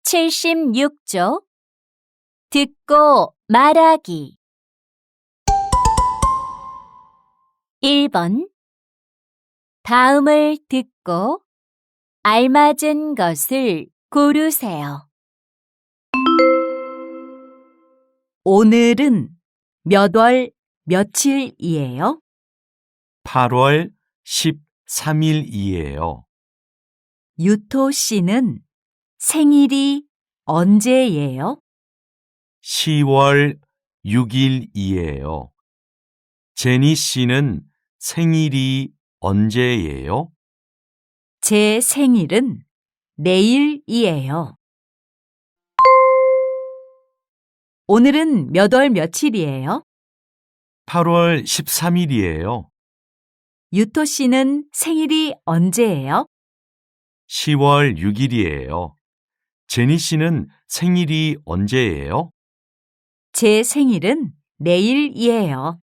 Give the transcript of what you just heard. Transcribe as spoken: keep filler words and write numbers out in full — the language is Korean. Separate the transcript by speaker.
Speaker 1: 칠십육 조 듣고 말하기 일 번 다음을 듣고 알맞은 것을 고르세요. 오늘은 몇 월 며칠이에요?
Speaker 2: 팔월 십삼 일이에요.
Speaker 1: 유토 씨는 생일이 언제예요?
Speaker 2: 시월 육 일이에요. 제니 씨는 생일이 언제예요?
Speaker 1: 제 생일은 내일이에요. 오늘은 몇 월 며칠이에요?
Speaker 2: 팔월 십삼 일이에요.
Speaker 1: 유토 씨는 생일이 언제예요?
Speaker 2: 시월 육 일이에요. 제니 씨는 생일이 언제예요?
Speaker 1: 제 생일은 내일이에요.